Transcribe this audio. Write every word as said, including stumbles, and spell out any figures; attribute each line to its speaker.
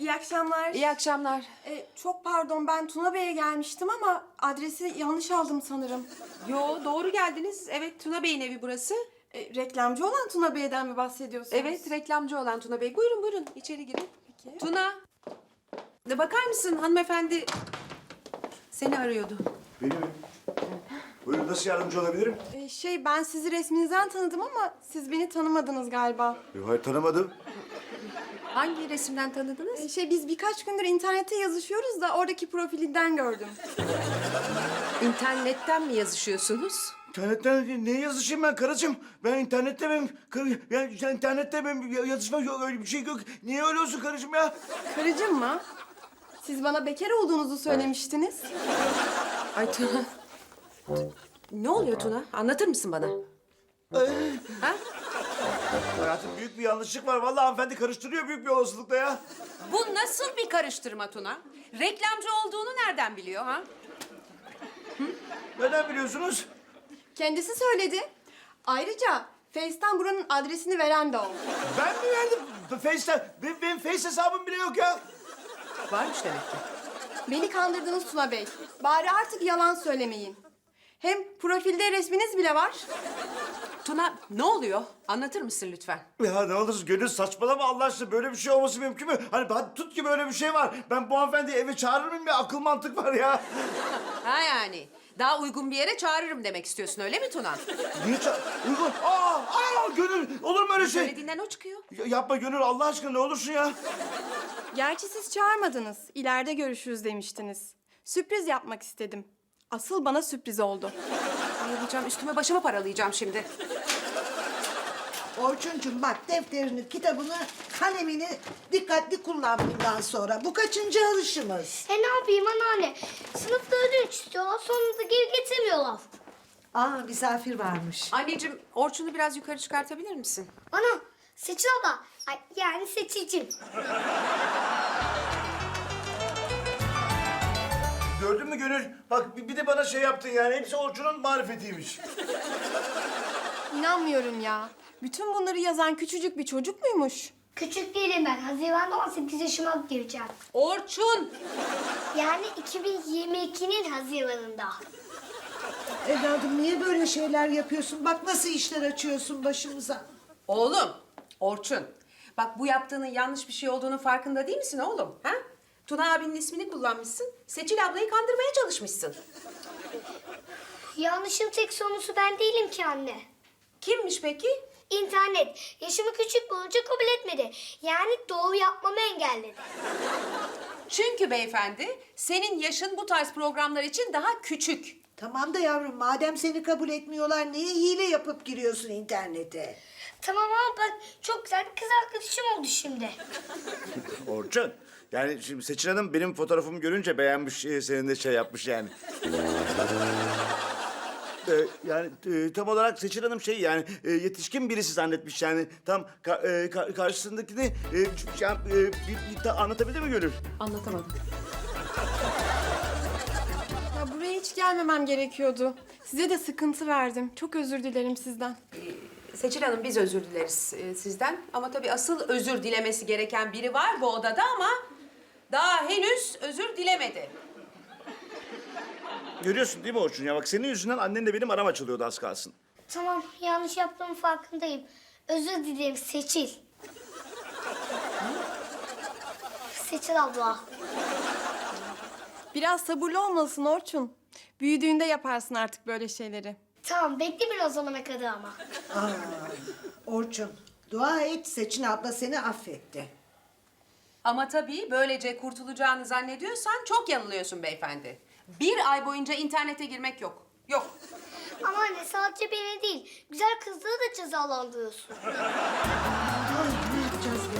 Speaker 1: İyi akşamlar.
Speaker 2: İyi akşamlar.
Speaker 1: Ee, çok pardon, ben Tuna Bey'e gelmiştim ama adresi yanlış aldım sanırım.
Speaker 2: Yo, doğru geldiniz. Evet, Tuna Bey'in evi burası.
Speaker 1: Ee, reklamcı olan Tuna Bey'den mi bahsediyorsunuz?
Speaker 2: Evet, reklamcı olan Tuna Bey. Buyurun buyurun, içeri girin.
Speaker 1: Peki.
Speaker 2: Tuna, de bakar mısın hanımefendi seni arıyordu.
Speaker 3: Beni mi? Buyurun, nasıl yardımcı olabilirim?
Speaker 1: Ee, şey, ben sizi resminizden tanıdım ama siz beni tanımadınız galiba.
Speaker 3: Yok, hayır tanımadım.
Speaker 2: Hangi resimden tanıdınız?
Speaker 1: Ee, şey, biz birkaç gündür internette yazışıyoruz da oradaki profilinden gördüm.
Speaker 2: İnternetten mi yazışıyorsunuz?
Speaker 3: İnternetten ne yazışayım ben karıcığım? Ben internette benim... Karı, yani sen internette benim yazışma yok, öyle bir şey yok. Niye öyle olsun karıcığım ya?
Speaker 1: Karıcığım mı? Siz bana bekar olduğunuzu söylemiştiniz.
Speaker 2: Ay Tuna. Ne oluyor Tuna? Anlatır mısın bana? Ha?
Speaker 3: Hayatım, büyük bir yanlışlık var. Vallahi hanımefendi karıştırıyor büyük bir olasılıkla ya.
Speaker 2: Bu nasıl bir karıştırma Tuna? Reklamcı olduğunu nereden biliyor ha?
Speaker 3: Neden biliyorsunuz?
Speaker 1: Kendisi söyledi. Ayrıca Face'ten buranın adresini veren de o.
Speaker 3: Ben mi verdim? Face'ten. Benim, benim Face hesabım bile yok ya.
Speaker 2: Varmış demek ki.
Speaker 1: Beni kandırdınız Tuna Bey. Bari artık yalan söylemeyin. Hem profilde resminiz bile var.
Speaker 2: Tuna ne oluyor? Anlatır mısın lütfen?
Speaker 3: Ya ne olursun Gönül, saçmalama Allah aşkına. Böyle bir şey olması mümkün mü? Hani hadi tut ki böyle bir şey var. Ben bu hanımefendiyi eve çağırır mıyım ya? Akıl mantık var ya.
Speaker 2: Ha yani. Daha uygun bir yere çağırırım demek istiyorsun öyle mi Tuna?
Speaker 3: Niye ça... Uygun... Aa, aa Gönül, olur mu öyle şey?
Speaker 2: Söylediğinden o çıkıyor.
Speaker 3: Ya, yapma Gönül, Allah aşkına ne olursun ya.
Speaker 1: Gerçi siz çağırmadınız. İleride görüşürüz demiştiniz. Sürpriz yapmak istedim. Asıl bana sürpriz oldu.
Speaker 2: Bayılacağım, üstüme başımı paralayacağım şimdi.
Speaker 4: Orçuncum bak, defterini, kitabını, kalemini dikkatli kullan bundan sonra. Bu kaçıncı alışımız?
Speaker 5: E ne yapayım anneanne? Sınıfta ödünç istiyorlar, sonra da geri getirmiyorlar.
Speaker 4: Aa, misafir varmış.
Speaker 2: Anneciğim, Orçun'u biraz yukarı çıkartabilir misin?
Speaker 5: Ana, Seçil abla. Ay, yani Seçil'cim.
Speaker 3: Gördün mü Gönül? Bak bir bir de bana şey yaptın yani. Hepsi Orçun'un marifetiymiş.
Speaker 1: İnanmıyorum ya. Bütün bunları yazan küçücük bir çocuk muymuş?
Speaker 5: Küçük değilim ben. Haziran'da on sekiz yaşıma gireceğim.
Speaker 2: Orçun!
Speaker 5: Yani iki bin yirmi ikinin Haziran'ında.
Speaker 4: Evladım, niye böyle şeyler yapıyorsun? Bak nasıl işler açıyorsun başımıza.
Speaker 2: Oğlum, Orçun. Bak bu yaptığının yanlış bir şey olduğunun farkında değil misin oğlum? Ha? Tuna abinin ismini kullanmışsın. Seçil ablayı kandırmaya çalışmışsın.
Speaker 5: Yanlışın tek sorumlusu ben değilim ki anne.
Speaker 2: Kimmiş peki?
Speaker 5: İnternet yaşımı küçük bulunca kabul etmedi. Yani doğru yapmamı engelledi.
Speaker 2: Çünkü beyefendi, senin yaşın bu tarz programlar için daha küçük.
Speaker 4: Tamam da yavrum, madem seni kabul etmiyorlar, niye hile yapıp giriyorsun internete?
Speaker 5: Tamam ama bak çok güzel bir kız arkadaşım oldu şimdi.
Speaker 3: Orçun. Yani şimdi Seçil Hanım benim fotoğrafımı görünce beğenmiş, e, senin de şey yapmış yani. Ee, yani e, tam olarak Seçil Hanım şey yani e, yetişkin birisi zannetmiş yani. Tam ka- e, ka- karşısındakini e, ç- yani, e, bir, bir ta- anlatabildi mi Gönül?
Speaker 2: Anlatamadım.
Speaker 1: Ya buraya hiç gelmemem gerekiyordu. Size de sıkıntı verdim. Çok özür dilerim sizden.
Speaker 2: Seçil Hanım biz özür dileriz e, sizden. Ama tabii asıl özür dilemesi gereken biri var bu odada ama daha henüz özür dilemedi.
Speaker 3: Görüyorsun değil mi Orçun ya? Bak senin yüzünden annenle benim aram açılıyordu az kalsın.
Speaker 5: Tamam, yanlış yaptığımın farkındayım. Özür dilerim Seçil. Seçil abla.
Speaker 1: Biraz sabırlı olmalısın Orçun. Büyüdüğünde yaparsın artık böyle şeyleri.
Speaker 5: Tamam, bekle bir o zamana kadar ama.
Speaker 4: Aa, Orçun, dua et, Seçin abla seni affetti.
Speaker 2: Ama tabii böylece kurtulacağını zannediyorsan çok yanılıyorsun beyefendi. Bir ay boyunca internete girmek yok. Yok.
Speaker 5: Ama anne sadece beni değil, güzel kızları da cezalandırıyorsun.
Speaker 4: Ay, ne yapacağız